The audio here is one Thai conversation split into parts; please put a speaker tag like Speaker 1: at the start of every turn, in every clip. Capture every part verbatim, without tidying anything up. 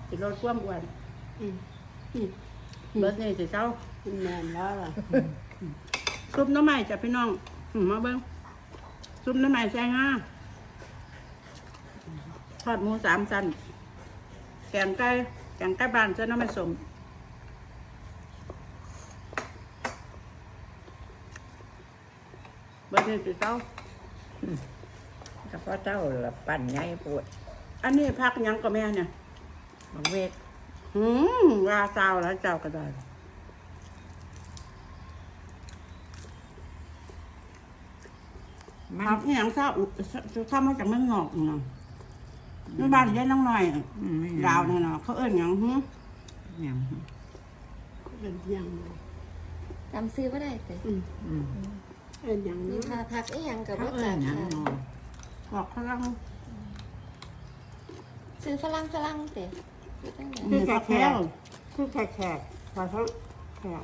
Speaker 1: สิลดความอ้วน
Speaker 2: อืม
Speaker 1: เบิดนี่สิเจ้า
Speaker 2: กินแมนแล้วล่ะ
Speaker 1: ซุปหน้ำใหม่จ้ะพี่น้องอืมมาเบิ้งซุปหน้ำใหม่แซงห้าทอดหมูสามชั้นแกงไก่แกงไก่บ้านเจ้าน้ำไม่สมเบิดนี่สิเจ้า
Speaker 3: กระเพาะเจ้าละปั่นใหญ่ปวด
Speaker 1: อันนี้พักหยังกับแม่เนี่ย
Speaker 3: บังเวท
Speaker 1: หืมว่าเจ้าแล้วเจ้าก็ได้
Speaker 3: มัน
Speaker 1: พักอหย่างเศร้าทำมาจากเมืองนอกเนาะในบ้านยายน้องหน่อย
Speaker 3: อืมไม่
Speaker 1: ดาวเนี่ยเนาะเขาเอิ้นหยังหืม
Speaker 3: อย่าง
Speaker 2: เป็นยัง
Speaker 4: จำซื้อไม่ได้แต่
Speaker 2: อืม
Speaker 3: อืม
Speaker 2: เป็นยัง
Speaker 4: มี
Speaker 2: นี้
Speaker 4: พาพักอีหยังกับ
Speaker 3: เขา
Speaker 4: ว่า
Speaker 3: เอิ้
Speaker 4: จั
Speaker 3: น
Speaker 4: ก
Speaker 3: อย่าง
Speaker 4: ค่ะ
Speaker 3: นอ
Speaker 1: บอกเขาลัง
Speaker 4: ซื้อฝรั่งฝรั่งเตะซื้อตั้งแต่
Speaker 1: คือแขก
Speaker 2: คือแขกแขกพอเขาแขก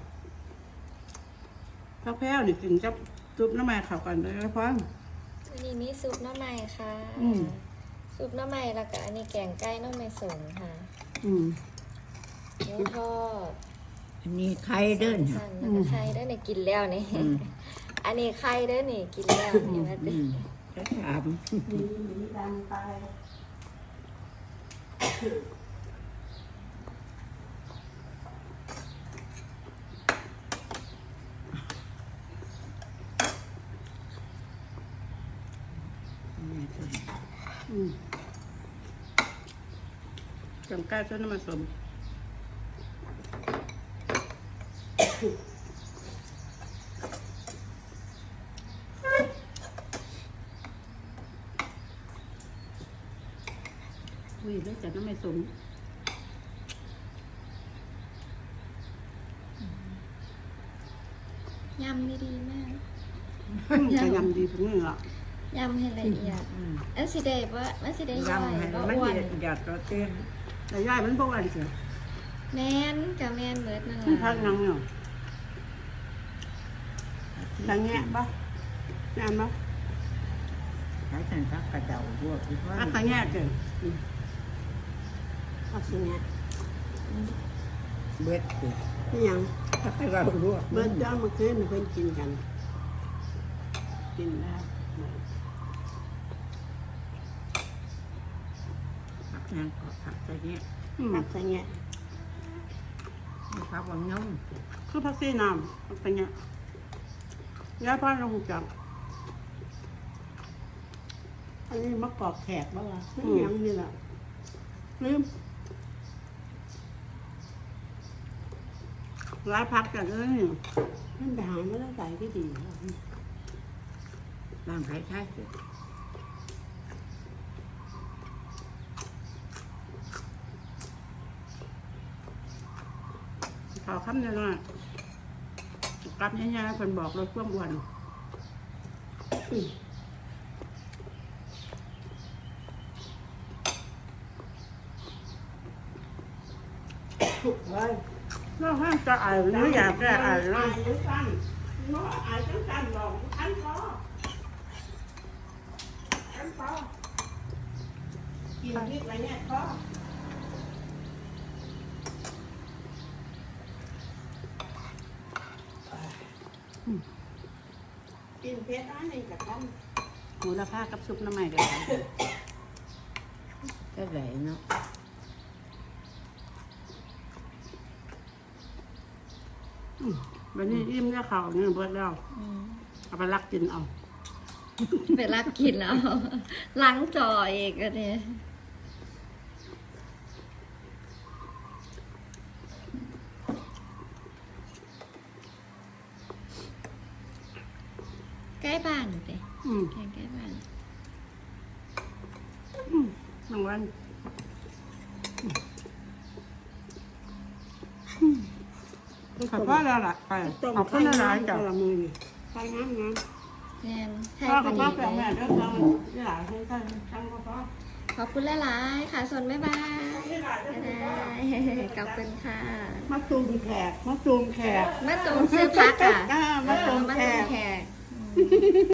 Speaker 1: ข้าวแพ้วนี่กินกับซุปน้ำมันเข้ากันเลยนะพ่อ
Speaker 4: อันนี้มีซุปหน้ำใหม่ค่ะ
Speaker 1: อืม
Speaker 4: ซุปหน้ำใหม่แล้วก็อันนี้แกงไก่หน้ำใหม่สงค่ะ
Speaker 1: อืม
Speaker 4: หมูทอด
Speaker 3: อันนี้ไข่เดิน
Speaker 4: สั่นแล้วก็ไข่เด้อนี่กินแล้วนี่
Speaker 3: อืม
Speaker 4: อันนี้ไข่เด้อนี่กินแล้วนี่ว่า
Speaker 3: อื
Speaker 4: ติ
Speaker 3: มจะถาม
Speaker 2: ดีดีดังไป
Speaker 1: อืมแกงไก่เจ้าน้ำมันสมอุ้ยเลยจากน้ำมันสม
Speaker 4: ยำนี่ดีมาก
Speaker 1: จะยำดีถึงนี่ละ
Speaker 4: ยำให้ละเอียด
Speaker 3: อืม
Speaker 4: อันสิได้บ่มันสิได้ย่อย
Speaker 3: ยำให้
Speaker 4: บ่
Speaker 3: มัน
Speaker 4: อ้วน
Speaker 3: หยาดเราเต้น
Speaker 1: แต่ย่ายมันพวกอะไรเสีย
Speaker 4: แม่นกับแม่นเบิดนั่น
Speaker 1: มันพั
Speaker 4: ล่ะ
Speaker 1: กยังเนาะทางแง่ปะแง่ปะ
Speaker 3: ใช้สันทักกระเดาพวกที่ว่า
Speaker 1: พักทางแง่เกิน
Speaker 2: เอาสิเนี่ย
Speaker 3: เบ็ดสิ
Speaker 2: นี่ยัง
Speaker 3: ทักกระเราลวก
Speaker 2: เบิร์ดย้อนมาคืนเพื่อนกินกัน
Speaker 1: กินแล้ว
Speaker 3: ผักแห้งก็ผักใส่เนี้ย
Speaker 1: อืม
Speaker 2: ผักใส่เงี้ย
Speaker 3: ผักบางน้อง
Speaker 1: คือพักซี่น้ำพักทางแง่ย่าพ่อเราหูจัก
Speaker 2: อันนี้มะกอกแขกบ้างล่ะนี่ยังนี่แหละ
Speaker 1: ลืมร้ายพักกันเลยนี่
Speaker 2: นั่นไปหาไม่ได้ใส่ก็ดี
Speaker 3: บางใครใช่สิ
Speaker 1: ขอคำเดียวหน่อยกลับง่ายๆคนบอกรถพ่วงอ้วน
Speaker 2: เฮ้ย
Speaker 1: เราห้ามจะอ่านหรืออยากจะอ่านเรา
Speaker 2: หรือสั้นเนาะอ่านจังสั้นบอกอันพออันพอกินพริกอะไรเนี่ยพอกินเพชรอันนี้กับท่าน
Speaker 1: หมูละผ้ากับซุปน้ำใหม่เดียวกัน
Speaker 3: ก็ไหลเนาะ
Speaker 1: อืมวันนี้อิ่มได้ข่าวเนี่ยเบิดแล้ว
Speaker 4: อืม
Speaker 1: เอาไปรักกินเอา
Speaker 4: ไปรักกินเอาล้างจออีกอันนี้ใกล้บ้านเตะ
Speaker 1: อืม
Speaker 4: แกงใกล้บ้าน
Speaker 1: อืมรางวัลขอบคุณแล้วล่ะไป
Speaker 2: ต้ม
Speaker 1: ขอบคุณ
Speaker 2: ไข่
Speaker 1: หลาย
Speaker 2: น้ำ
Speaker 1: จ้ะ
Speaker 2: กะละมือนี่ไข่น้ำน้
Speaker 4: แม่นใช่
Speaker 1: พ่อ
Speaker 4: พ
Speaker 1: กั
Speaker 4: อบ ดี
Speaker 1: พ่อ
Speaker 4: เล
Speaker 1: แม่แม่
Speaker 4: ย
Speaker 1: เด้อจังที่หลายให้ท่านจังก็พ่อ
Speaker 4: ขอบคุณหลายๆค่ะส่วนบ๊ายบายบ๊ายบายขอบคุณค่ะ
Speaker 1: มาตูมแขกมาตูมแขก
Speaker 4: มาตูมซื้อพักอ่ะ
Speaker 1: อ่ามาตูม
Speaker 4: มา
Speaker 1: แข
Speaker 4: ตูม
Speaker 1: ก
Speaker 4: แขก